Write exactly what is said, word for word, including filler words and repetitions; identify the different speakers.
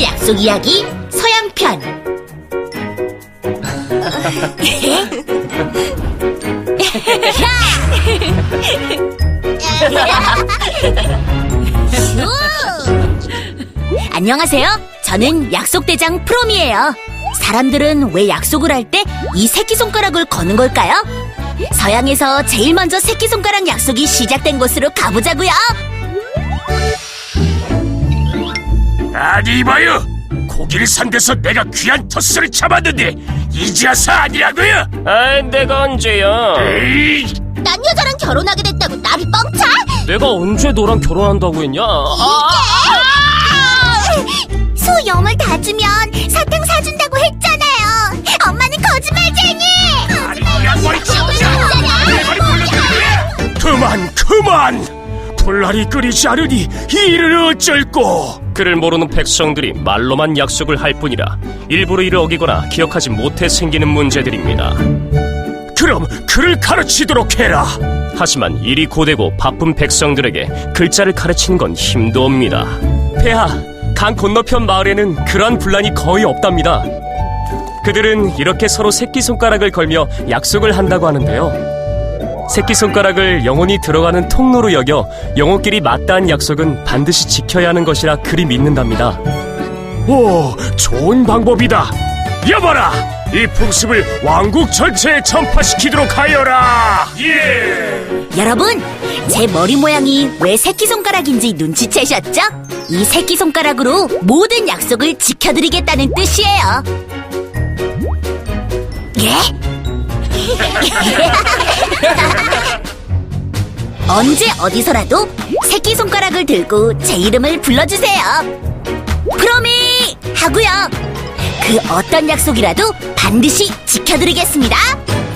Speaker 1: 약속 이야기 서양편. 안녕하세요. 저는 약속대장 프롬이에요. 사람들은 왜 약속을 할 때 이 새끼손가락을 거는 걸까요? 서양에서 제일 먼저 새끼손가락 약속이 시작된 곳으로 가보자고요.
Speaker 2: 아니 이봐요, 고기를 산 데서 내가 귀한 토스를 잡았는데 이제 와서 아니라고요?
Speaker 3: 아, 내가 언제야?
Speaker 2: 에이,
Speaker 1: 난 여자랑 결혼하게 됐다고 나를 뻥차?
Speaker 3: 내가 언제 너랑 결혼한다고 했냐? 아,
Speaker 1: 소 염을 다 주면 사탕 사준다고 했잖아요. 엄마는 거짓말쟁이.
Speaker 2: 아니 양말이 진짜 내 말이 몰랐는데. 그만 그만, 불날이 끓이지 않으니 이 일을 어쩔꼬.
Speaker 3: 그를 모르는 백성들이 말로만 약속을 할 뿐이라 일부러 이를 어기거나 기억하지 못해 생기는 문제들입니다.
Speaker 2: 그럼 그를 가르치도록 해라.
Speaker 3: 하지만 일이 고되고 바쁜 백성들에게 글자를 가르치는 건 힘도 옵니다. 폐하, 강 건너편 마을에는 그러한 분란이 거의 없답니다. 그들은 이렇게 서로 새끼손가락을 걸며 약속을 한다고 하는데요. 새끼손가락을 영혼이 들어가는 통로로 여겨 영혼끼리 맞닿은 약속은 반드시 지켜야 하는 것이라 그리 믿는답니다.
Speaker 2: 오, 좋은 방법이다. 여봐라, 이 풍습을 왕국 전체에 전파시키도록 하여라. 예.
Speaker 1: 여러분, 제 머리 모양이 왜 새끼손가락인지 눈치채셨죠? 이 새끼손가락으로 모든 약속을 지켜드리겠다는 뜻이에요. 예? 언제 어디서라도 새끼손가락을 들고 제 이름을 불러주세요. 프로미! 하고요. 그 어떤 약속이라도 반드시 지켜드리겠습니다.